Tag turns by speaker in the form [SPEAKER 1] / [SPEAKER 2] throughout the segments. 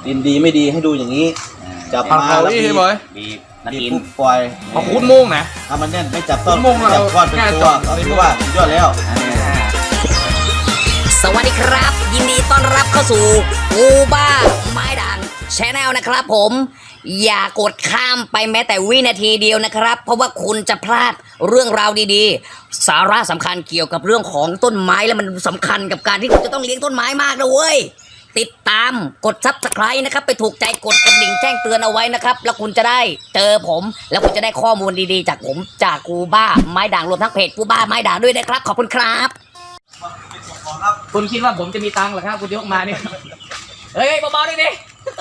[SPEAKER 1] ดินดีไม่ดีให้ดูอย่างนี้จับมาแล้วบีบปุ๊บปล่อย
[SPEAKER 2] พอคุ้นมุ่งนะ
[SPEAKER 1] ถ้ามันแน่นไม่จับต้นจับก้อนเป็นตัวก็ถือว่าสุดยอดแล้ว
[SPEAKER 3] สวัสดีครับยินดีต้อนรับเข้าสู่กูบ้าไม้ด่างแชนแนลนะครับผมอย่ากดข้ามไปแม้แต่วินาทีเดียวนะครับเพราะว่าคุณจะพลาดเรื่องราวดีๆสาระสำคัญเกี่ยวกับเรื่องของต้นไม้และมันสำคัญกับการที่คุณจะต้องเลี้ยงต้นไม้มากนะเว้ยติดตามกด Subscribe นะครับไปถูกใจกดกระดิ่งแจ้งเตือนเอาไว้นะครับแล้วคุณจะได้เจอผมแล้วคุณจะได้ข้อมูลดีๆจากผมจากกูบ้าไม้ด่างรวมทั้งเพจกูบ้าไม้ด่างด้วยนะครับขอบคุณครับคุณคิดว่าผมจะมีตังค์เหรอครับคุณยกมาเนี่ยเฮ้ยเบาๆดิดิ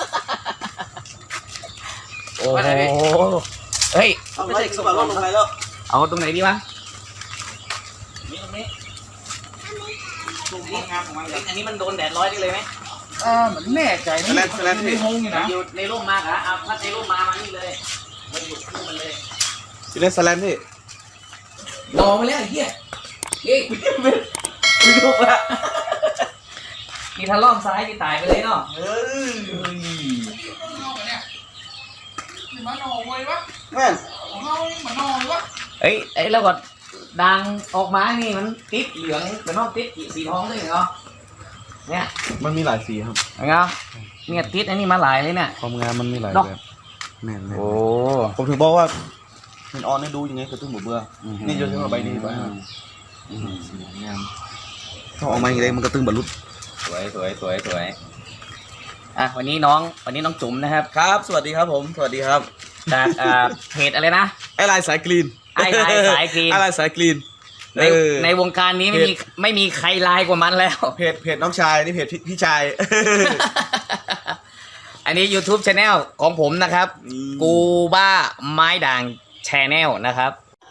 [SPEAKER 3] โอ้โหเฮ้ย
[SPEAKER 1] ไม่ใช่สมบัติลงไปแล้ว
[SPEAKER 3] เอาตรงไหนดีวะ
[SPEAKER 1] ตรงนี้
[SPEAKER 3] อันนี้มันโดนแดดร้อยได้เลยไหม
[SPEAKER 2] เหมือนแน่ใจนะในห้องนี่นะ
[SPEAKER 3] อยู่ในร่มมากอะถ้าในร่มมานี่เลยมันอยู่คู่มันเลย
[SPEAKER 1] พี่เล่นสแลนพี่
[SPEAKER 3] รอมาแล้วไอ้เหี้ยเฮ้ยคุณยกละนี่ถ้าล่องซ้ายนี่ตายไปเลยเนาะ
[SPEAKER 2] มันนอนเลยวะ
[SPEAKER 1] แม่
[SPEAKER 2] ของเรามันนอนเลยวะ
[SPEAKER 3] เอ้ยแล้วก็ดังออกมานี่มันติดเหลืองเป็นนอกติดสีทองด้วยเหรอเนี่ย
[SPEAKER 1] มันมีหลายสีครับ
[SPEAKER 3] ไงเนี่ยติดอันนี้มาหลายเลยเนี่ย
[SPEAKER 1] ความงามมันมีหลายแบบแน่นเลย
[SPEAKER 3] โอ้
[SPEAKER 1] ผมถึงบอกว่ามันออนให้ดูยังไงก็ต้องเบื่อนี่โยนขึ้นมาใบนี้ไปงามถ้าออกมาอย่างไรมันก็ตึงบรรลุ
[SPEAKER 3] สวยอ่ะวันนี้น้องจุ๋มนะครับ
[SPEAKER 1] ครับสวัสดีครับผมสวัสดีครับ
[SPEAKER 3] จากเพจอะไรนะ
[SPEAKER 1] ไอไลน์สายกรีน
[SPEAKER 3] ไอไลน์สายกรีนในวงการนี้ไม่มีใครลายกว่ามันแล้ว
[SPEAKER 1] เพจน้องชายนี่เพจพี่ชาย
[SPEAKER 3] อันนี้ YouTube Channel ของผมนะครับกูบ้าไม้ด่าง Channel นะครับ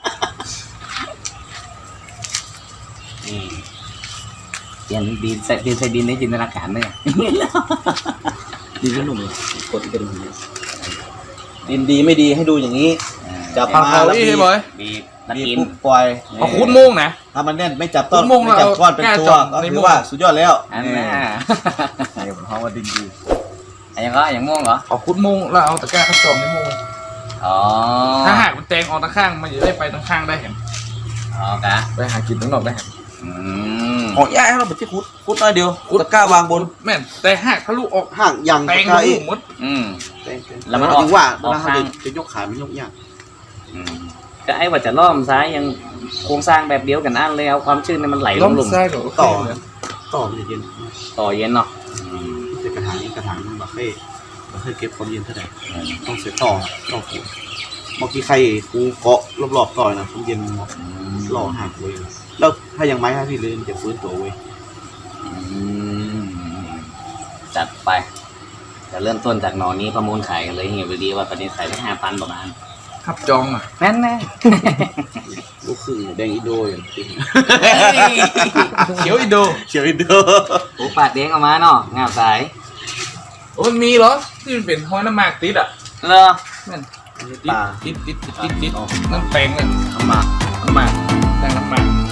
[SPEAKER 3] เปลี่ยนดินใส่ดินในจินตนาการเลย
[SPEAKER 1] ดินก็หนุ่มเลยกดกระดิ่งดินดีไม่ดีให้ดูอย่างนี้จับมาแล้วบีบปุ๊บปล่อย
[SPEAKER 2] พอคุ้นมุ่งนะ
[SPEAKER 1] ถ้ามันแน่นไม่จับต้นไม่จับก้อนเป็นตัวก็ถือว่าสุดยอดแล้วนี่ผมเขาว่าดินดี
[SPEAKER 3] อย่างม่วงเหรอ
[SPEAKER 2] เอาคุ้นมุ่งแล้วเอาตะแกรงผสมในมุ่งถ้าหากมันแตงออกตะข้างมันจะได้ไปตะข้างได้เห็นไปหากินตั้งนอกได้เห็น
[SPEAKER 1] ของย่าให้เราเป็นที่คุดน้อยเดียวตะกร้าวางบน
[SPEAKER 2] แม่นแต่หากทะลุออก
[SPEAKER 1] ห่างอย่าง
[SPEAKER 2] แตงลูกมด
[SPEAKER 1] แล้วมันออกว่าเราจะยกขาไม่ยกยาก
[SPEAKER 3] ก็ไอ้ว่าจะล้อมซ้ายยังโครงสร้างแบบเดียวกันนั่นเลยเอาความชื้นมันไหลลง
[SPEAKER 1] ต่อเ
[SPEAKER 3] ย็นเนาะ
[SPEAKER 1] แต่กระถางนี้กระถางมันเคยเก็บความเย็นเท่าไหร่ต้องเสียต่อผูกเมื่อกี้ใครกูเกาะรอบๆต่อยนะความเย็นหล่อหักเลยแล้วถ้ายังไม้ให้พี่เลยมันจะฟื้นตัวเว้ย
[SPEAKER 3] จัดไปจะเริ่มต้นจากหนอนนี้ประมูลขายกันเลยเงี้ยดีว่าตอนนี้ขายได้5,000ประมาณ
[SPEAKER 2] ครับจองอ่ะ
[SPEAKER 3] แม่นแน่
[SPEAKER 1] ลูกคือแดงอินโดอย่าง
[SPEAKER 2] เขียวอินโด
[SPEAKER 3] โอ้ปาดเด้งออกมาเนาะงาบสาย
[SPEAKER 2] โอ้มันมีเหรอที่มันเป็นห้อยน้ำหมากติดอ่ะ
[SPEAKER 3] เหรอ
[SPEAKER 2] แม่นติดนั่นแปลงเลย
[SPEAKER 1] น้ำหมาก
[SPEAKER 2] แปลงน้ำหมาก